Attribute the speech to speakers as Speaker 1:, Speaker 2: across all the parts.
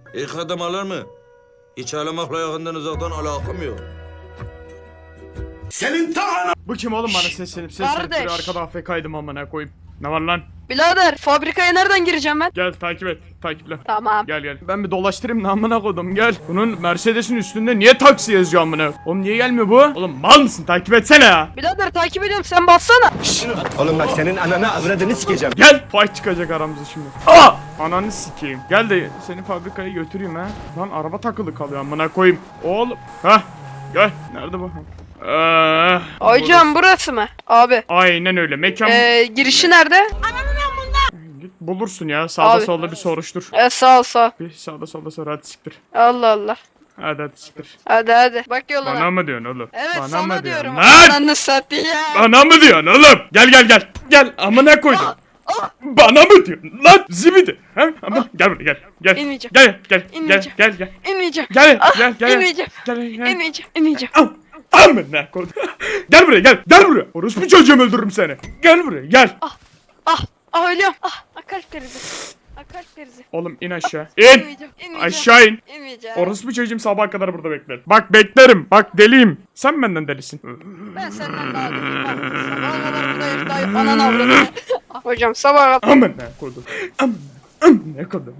Speaker 1: İlk adım alır mı? Hiç ağlamakla yakından uzaktan alakam yok.
Speaker 2: Bu kim oğlum bana seslenip
Speaker 3: Kardeş.
Speaker 2: duruyor arkada AFK'ydım amına koyayım. Ne var lan?
Speaker 3: Birader fabrikaya nereden gireceğim ben?
Speaker 2: Gel takip et. Takiple.
Speaker 3: Tamam.
Speaker 2: Gel. Ben bir dolaştırayım da amına koydum gel. Bunun Mercedes'in üstünde niye taksi yazıyor amına? Oğlum niye gelmiyor bu? Oğlum mal mısın? Takip etsene ya.
Speaker 3: Birader takip ediyorum sen bassana.
Speaker 4: Oğlum bak senin ananı avradını sikeceğim.
Speaker 2: Gel. Fight çıkacak aramızda şimdi. Aa! Ananı sikeyim. Gel de seni fabrikaya götüreyim ha. Lan araba takılı kalıyor amına koyayım. Oğlum. Hah. Gel. Nerede bu?
Speaker 3: Hocam burası mı? Abi.
Speaker 2: Aynen öyle. Mekan
Speaker 3: Girişi nerede?
Speaker 2: git bulursun ya. Sağda
Speaker 3: Abi.
Speaker 2: solda bir soruştur.
Speaker 3: Sağ ol sağ ol.
Speaker 2: Bir sağda solda sor hadi siktir.
Speaker 3: Allah Allah.
Speaker 2: Hadi siktir.
Speaker 3: Hadi. Bak yoluna.
Speaker 2: Bana mı diyorsun oğlum?
Speaker 3: Evet
Speaker 2: Bana
Speaker 3: sana
Speaker 2: mı
Speaker 3: diyorum.
Speaker 2: Lan!
Speaker 3: Ananı satayım.
Speaker 2: Bana mı diyorsun oğlum? Gel. Gel amına koydum. Bana mı diyorsun lan zibidi? Ha? Ama gel buraya gel.
Speaker 3: İnmeyeceğim.
Speaker 2: Gel.
Speaker 3: İnmeyeceğim.
Speaker 2: Gel.
Speaker 3: İnmeyeceğim.
Speaker 2: Gel.
Speaker 3: İnmeyeceğim.
Speaker 2: Gel.
Speaker 3: İnmeyeceğim.
Speaker 2: Amına koydum. Gel buraya gel. Gel buraya. Orospu çocuğum öldürürüm seni. Gel buraya gel.
Speaker 3: Ölüyorum. Kalp krizi. Kalp krizi.
Speaker 2: Oğlum in aşağı. İn.
Speaker 3: İnmeyeceğim.
Speaker 2: Aşağı in.
Speaker 3: İnmeyeceğim.
Speaker 2: Orospu çocuğum sabaha kadar burada bekler. Bak beklerim. Bak deliyim. Sen benden delisin.
Speaker 3: Ben senden daha değilim. Sabaha kadar buradayım. Daha ananı avradım. Hocam sabaha kadar.
Speaker 2: Amına koydum. Amına koydum.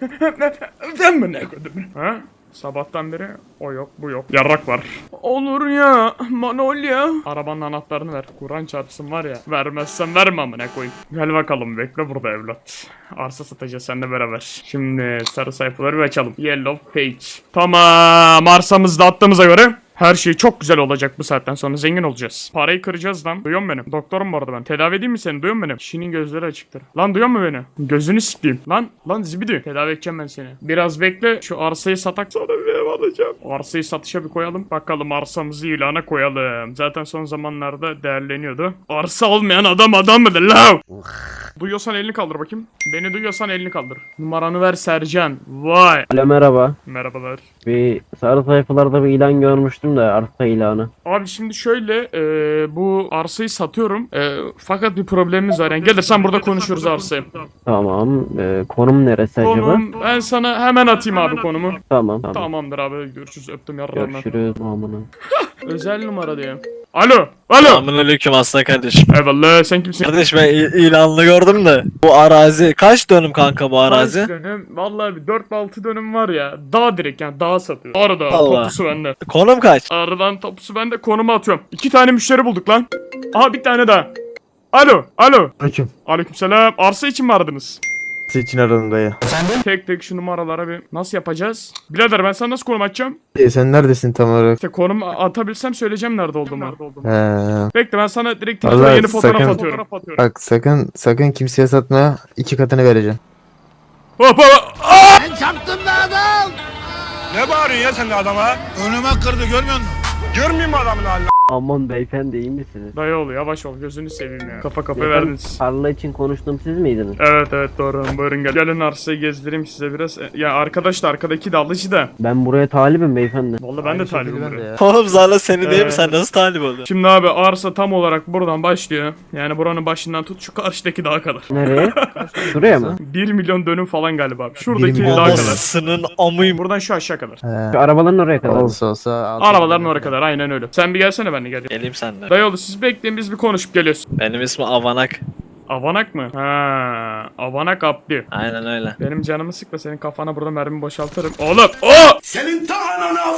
Speaker 2: Amına koydum. Ha? Sabahtan beri o yok bu yok. Yarrak var. Olur ya Manolya. Arabanın anahtarını ver. Kur'an çarpsın var ya. Vermezsen verme amına koyayım. Gel bakalım bekle burada evlat. Arsa satacağız seninle beraber. Şimdi sarı sayfaları bir açalım. Yellow page. Tamam arsamızı da attığımıza göre her şey çok güzel olacak bu saatten sonra zengin olacağız. Parayı kıracağız lan. Duyuyor musun beni? Doktorum bu arada ben. Tedavi edeyim mi seni? Duyuyor musun beni? Kişinin gözleri açıktır. Lan duyuyor musun beni? Gözünü sikeyim. Lan zibidi. Tedavi edeceğim ben seni. Biraz bekle. Şu arsayı satak sonra bir ev alacağım. Arsayı satışa bir koyalım. Bakalım arsamızı ilana koyalım. Zaten son zamanlarda değerleniyordu. Arsa olmayan adam mıdır la? Duyuyorsan elini kaldır bakayım. Beni duyuyorsan elini kaldır. Numaranı ver Sercan. Vay.
Speaker 5: Alo merhaba.
Speaker 2: Merhabalar.
Speaker 5: Bir sarı sayfalarda bir ilan görmüştüm de arsa ilanı.
Speaker 2: Abi şimdi şöyle bu arsayı satıyorum. Fakat bir problemimiz var. Yani gelirsen burada konuşuruz arsayı.
Speaker 5: Tamam. Konum neresi acaba?
Speaker 2: Konum ben sana hemen atayım abi konumu.
Speaker 5: Tamam.
Speaker 2: Tamamdır abi görüşürüz öptüm yararlarına.
Speaker 5: Görüşürüz. Amına.
Speaker 2: Özel numara diye. Alo.
Speaker 6: Selamünaleyküm aslan kardeşim.
Speaker 2: Eyvallah sen kimsin?
Speaker 6: Kardeş ben ilanını gördüm de. Bu arazi kaç dönüm kanka bu arazi?
Speaker 2: Kaç dönüm? Vallahi bir 4-6 dönüm var ya. Dağ direkt yani dağa satıyor. Arada
Speaker 6: Allah.
Speaker 2: topusu bende.
Speaker 6: Konum kaç?
Speaker 2: Aradan topusu bende konumu atıyorum. 2 tane müşteri bulduk lan. Aha bir tane daha. Alo.
Speaker 7: Aleyküm.
Speaker 2: Aleykümselam. Arsa için mi aradınız?
Speaker 7: Siz için aradım dayı.
Speaker 2: Tek şu numaralara bir nasıl yapacağız? Birader ben sana nasıl konum atacağım?
Speaker 7: Sen neredesin tam olarak?
Speaker 2: İşte konum atabilsem söyleyeceğim nerede olduğumu.
Speaker 7: He.
Speaker 2: Bekle ben sana direkt Twitter'a
Speaker 7: Vallahi
Speaker 2: yeni fotoğraf
Speaker 7: sakın-
Speaker 2: atıyorum.
Speaker 7: Bak sakın kimseye satma. 2 katını vereceğim.
Speaker 2: Hop.
Speaker 4: Ne bağırıyorsun ya sen de adama? Önüme kırdı görmüyor musun? Görmeyeyim mi adamın halini?
Speaker 5: Aman beyefendi iyi misiniz?
Speaker 2: Dayı ol yavaş ol gözünü seveyim ya. Kafa kafaya
Speaker 5: Beyefendi,
Speaker 2: verdiniz.
Speaker 5: tarla için konuştum siz miydiniz?
Speaker 2: Evet doğru buyurun gel. Gelin arsayı gezdireyim size biraz. Ya arkadaş da arkadaki de alıcı da.
Speaker 5: Ben buraya talibim beyefendi.
Speaker 2: Vallahi ben de talibim buraya.
Speaker 6: Oğlum zaten senin değil mi? Sen nasıl talip oldun?
Speaker 2: Şimdi abi arsa tam olarak buradan başlıyor. Yani buranın başından tut şu karşıdaki dağa kadar.
Speaker 5: Nereye? Şuraya mı?
Speaker 2: 1 milyon dönüm falan galiba abi. Şuradaki
Speaker 7: 1 milyon
Speaker 2: dağa kadar.
Speaker 6: Babasının amıyım.
Speaker 2: Buradan şu aşağı kadar.
Speaker 5: Şu arabaların oraya kadar.
Speaker 7: Olsa.
Speaker 2: Arabaların oraya kadar aynen öyle. Sen bir gelsene ben de gel.
Speaker 6: Geleyim senden.
Speaker 2: Dayıoğlu siz bekleyin biz bir konuşup geliyoruz.
Speaker 6: Benim ismim Avanak.
Speaker 2: Avanak mı? Ha, Avanak Abdi.
Speaker 6: Aynen öyle.
Speaker 2: Benim canımı sıkma senin kafana burada mermi boşaltırım. Oğlum o!
Speaker 4: Senin ta ananı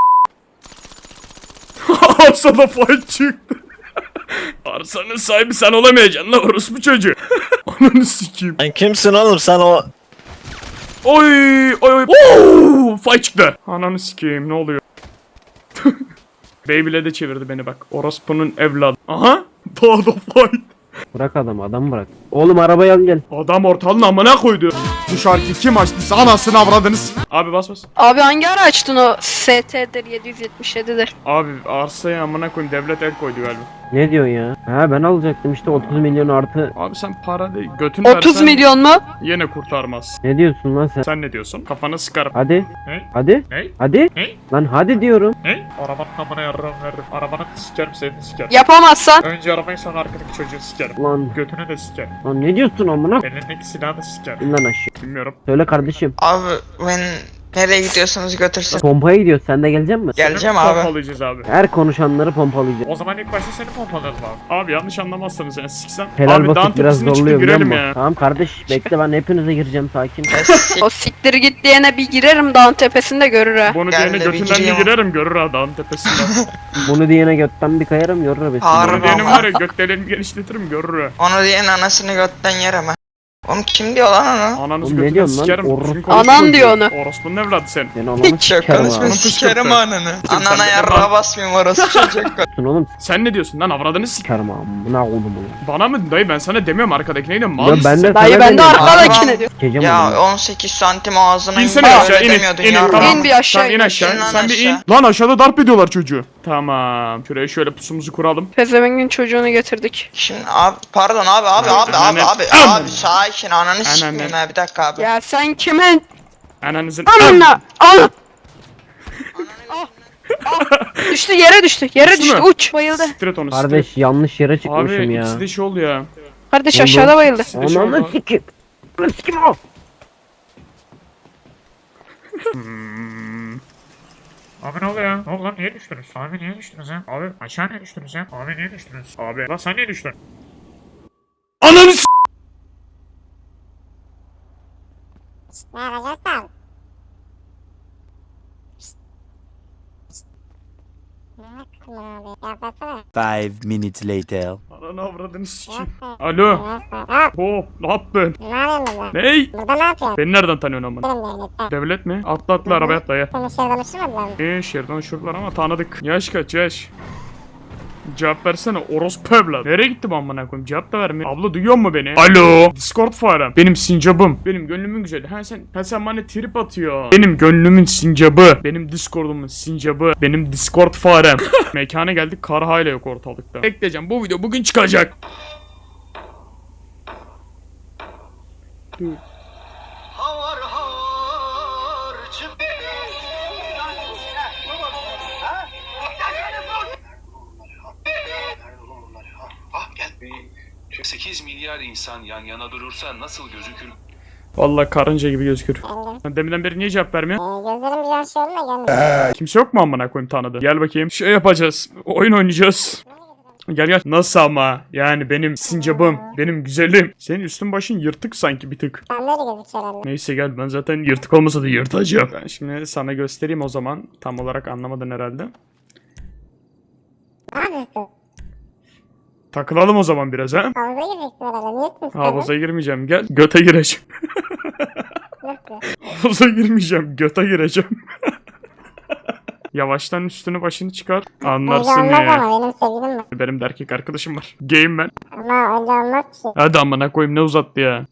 Speaker 2: Arsada fight çıktı. Arsanın sahibi sen olamayacaksın la orospu çocuğu. Ananı sikeyim.
Speaker 6: Sen kimsin oğlum? Sen o...
Speaker 2: Oy. Oo, fight çıktı. Ananı sikeyim ne oluyor? Beyblade'e çevirdi beni bak. Orospu'nun evladı. Aha. Daha da fight.
Speaker 5: Bırak adamı bırak. Oğlum arabayı al gel.
Speaker 2: Adam ortalığın amına koydu. Bu şarkı kim açtıysa anasını avradınız. Abi bas.
Speaker 3: Abi hangi ara açtın o? ST'dir 777'dir.
Speaker 2: Abi arsaya amına koyayım devlet el koydu galiba.
Speaker 5: Ne diyorsun ya? Ha ben alacaktım işte 30 milyon artı.
Speaker 2: Abi sen para değil götünü
Speaker 3: 30
Speaker 2: versen
Speaker 3: milyon mu?
Speaker 2: yine kurtarmaz.
Speaker 5: Ne diyorsun lan sen?
Speaker 2: Sen ne diyorsun? Kafanı sıkarım.
Speaker 5: Hadi.
Speaker 2: Ne?
Speaker 5: Hadi.
Speaker 2: Ne?
Speaker 5: Hadi.
Speaker 2: Ne?
Speaker 5: Lan hadi diyorum.
Speaker 2: Ne? Arabanın amına yarrağım veririm. Arabanı sikerim seni de sikerim.
Speaker 3: Yapamazsan.
Speaker 2: Önce arabayı sonra arkadaki çocuğu sikerim.
Speaker 5: Lan.
Speaker 2: Götünü de sikerim.
Speaker 5: Lan ne diyorsun amına?
Speaker 2: Elindeki silahı da sikerim.
Speaker 5: İn lan aşağı.
Speaker 2: Bilmiyorum.
Speaker 5: Söyle kardeşim.
Speaker 8: Abi ben Nereye gidiyorsunuz götürsün.
Speaker 5: Pompaya gidiyoruz. Sen de gelecek misin?
Speaker 8: Geleceğim abi.
Speaker 2: Pompalayacağız abi.
Speaker 5: Her konuşanları pompalayacağız.
Speaker 2: O zaman ilk başta seni pompalarız abi. Abi yanlış anlamazsanız yani siksen.
Speaker 5: Helal
Speaker 2: abi dağın
Speaker 5: basit biraz
Speaker 2: tepesine çıkıp
Speaker 5: zorluyor biliyor
Speaker 2: girelim
Speaker 5: musun?
Speaker 2: ya.
Speaker 5: Tamam kardeş bekle ben hepinize gireceğim sakin.
Speaker 3: O siktir git diyene bir girerim dağın tepesinde görür ha.
Speaker 2: Bunu
Speaker 8: Gel
Speaker 2: diyene
Speaker 8: de bir
Speaker 2: götünden bir
Speaker 8: gireyim.
Speaker 2: girerim görür ha dağın tepesinden.
Speaker 5: Bunu diyene götten bir kayarım yorur be.
Speaker 8: Harbi.
Speaker 2: Bunu diyenim var ya gökdelenimi genişletirim görür ha.
Speaker 8: Onu diyen anasını götten yer ama. Oğlum kim diyor lan onu?
Speaker 2: Ananız
Speaker 5: Oğlum ne
Speaker 2: götünden
Speaker 5: diyorsun lan?
Speaker 2: sikerim.
Speaker 5: Orospu.
Speaker 2: Düzgün konuş
Speaker 3: Anan
Speaker 2: çocuğu.
Speaker 3: diyor onu.
Speaker 2: Orospunun evladı sen.
Speaker 5: Ben ananı
Speaker 8: Çok
Speaker 5: sikerim
Speaker 8: konuşma
Speaker 5: ha.
Speaker 8: sikerim
Speaker 2: fışkırttı.
Speaker 8: ananı.
Speaker 2: sen
Speaker 8: Anana
Speaker 2: de
Speaker 8: yarrağa
Speaker 2: bana-
Speaker 8: basmayayım orası çocuk.
Speaker 5: Oğlum
Speaker 2: Sen ne diyorsun lan avradını sik.
Speaker 5: sikerim ha. Bu ne oğlum bu?
Speaker 2: Bana mı dayı ben sana demiyorum arkadakine de mal
Speaker 5: Ya
Speaker 2: mısın
Speaker 5: ben de
Speaker 2: sen?
Speaker 3: Dayı
Speaker 5: sana
Speaker 3: ben de
Speaker 5: demiyorum.
Speaker 3: arkadakine diyor.
Speaker 5: Sikeceğim
Speaker 8: Ya
Speaker 5: onu.
Speaker 8: 18 santim ağzına
Speaker 2: İnsene
Speaker 8: indi,
Speaker 2: aşağı
Speaker 8: öyle
Speaker 2: in
Speaker 8: demiyordun
Speaker 2: in
Speaker 8: yarrağa.
Speaker 2: tamam.
Speaker 3: İn bir aşağı,
Speaker 2: Tamam, in
Speaker 3: in.
Speaker 2: aşağı.
Speaker 8: İn lan
Speaker 2: Sen bir in.
Speaker 8: aşağı.
Speaker 2: Lan aşağıda darp ediyorlar çocuğu. Tamam. Şuraya şöyle pusumuzu kuralım.
Speaker 3: Pezevengin çocuğunu getirdik.
Speaker 8: Şimdi abi pardon abi
Speaker 2: Anne.
Speaker 8: abi sakin ananı sikmeyeyim ha bir dakika abi.
Speaker 3: Ya sen kimin?
Speaker 2: Ananızın...
Speaker 3: Ananla! Al! Düştü yere düştü. Yere
Speaker 2: Düştü
Speaker 3: düştü
Speaker 2: mü?
Speaker 3: uç. Bayıldı.
Speaker 2: Siktir et onu siktir et.
Speaker 5: Kardeş yanlış yere çıkmışım
Speaker 2: Abi
Speaker 5: ya.
Speaker 2: ikisi de şey oldu ya.
Speaker 3: Kardeş
Speaker 5: Oldu.
Speaker 3: aşağıda bayıldı.
Speaker 2: İkisi de şey
Speaker 5: Ananı
Speaker 2: oldu.
Speaker 5: sikeyim. Ananı sikeyim o.
Speaker 9: Abi ne oluyor? Ne oldu lan? Niye düştünüz? Abi niye düştünüz ya? Abi aşağı niye düştünüz ya? Abi niye düştünüz? Abi lan sen niye düştün?
Speaker 2: Ananı s***.
Speaker 10: Five minutes later.
Speaker 2: Ananı avradını sikeyim. Alo. Hop ne yaptın? Ney?
Speaker 11: Burada ne yapıyorsun?
Speaker 2: Beni nereden tanıyorsun amına?
Speaker 11: Devlette.
Speaker 2: Devlet mi? Atla atla arabaya atla ya.
Speaker 11: Seni şehirden uçurmadılar mı?
Speaker 2: Şehirden uçurdular ama tanıdık. Yaş kaç yaş? Cevap versene orospu evlat. Nereye gitti bu amına koyayım? Cevap da vermiyor. Abla duyuyor mu beni? Alo. Discord farem. Benim sincabım. Benim gönlümün güzeli. Sen bana trip atıyor. Benim gönlümün sincabı. Benim Discord'umun sincabı. Benim Discord farem. Mekana geldik. Kar hala yok ortalıkta. Bekleyeceğim. Bu video bugün çıkacak.
Speaker 4: Gel. 8 milyar insan yan yana durursa nasıl gözükür?
Speaker 2: Vallahi karınca gibi gözükür. Sen deminden beri niye cevap vermiyor?
Speaker 11: Gözlerim biraz şey oldu da gelmedi.
Speaker 2: Kimse yok mu amına koyayım tanıdı? Gel bakayım. Şey yapacağız. Oyun oynayacağız. Gel gel. Nasıl ama? Yani benim sincabım, benim güzelim. Senin üstün başın yırtık sanki bir tık.
Speaker 11: Ben böyle gözüküyor herhalde.
Speaker 2: Neyse gel ben zaten yırtık olmasa da yırtacağım. Ben şimdi sana göstereyim o zaman. Tam olarak anlamadın herhalde.
Speaker 11: Ne yapıyorsun?
Speaker 2: Takılalım o zaman biraz ha.
Speaker 11: Havuza gireceksin herhalde. Niye tutmuşsun?
Speaker 2: Havuza girmeyeceğim gel. Göte gireceğim.
Speaker 11: Nasıl?
Speaker 2: Havuza girmeyeceğim. Göte gireceğim. Yavaştan üstünü başını çıkar. Anlarsın
Speaker 11: Önce olmaz
Speaker 2: ya.
Speaker 11: ama benim sevgilim var.
Speaker 2: Benim de erkek arkadaşım var. Gayim ben.
Speaker 11: Ama önce olmaz ki.
Speaker 2: Hadi amına koyayım ne uzattı ya.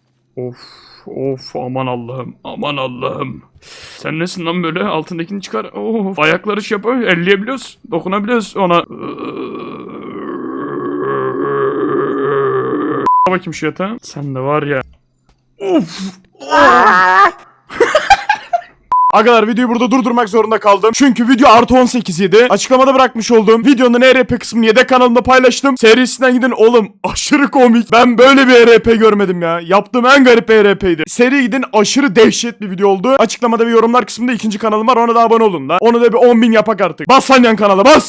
Speaker 2: Of aman Allah'ım aman Allah'ım. Sen nesin lan böyle altındakini çıkar. Of ayakları şey yapıyor elleyebiliyoruz dokunabiliyoruz ona. Bakayım şu yatağa. Sen de var ya. Of. Agalar videoyu burada durdurmak zorunda kaldım. Çünkü video artı 18 idi. Açıklamada bırakmış olduğum videonun ERP kısmını yedek kanalımda paylaştım. Serisinden gidin oğlum. Aşırı komik. Ben böyle bir ERP görmedim ya. Yaptığım en garip ERP'ydi. Seri gidin aşırı dehşet bir video oldu. Açıklamada bir yorumlar kısmında ikinci kanalım var. Ona da abone olun da. Onu da bir 10.000 yapak artık. Bas lan yan kanala bas.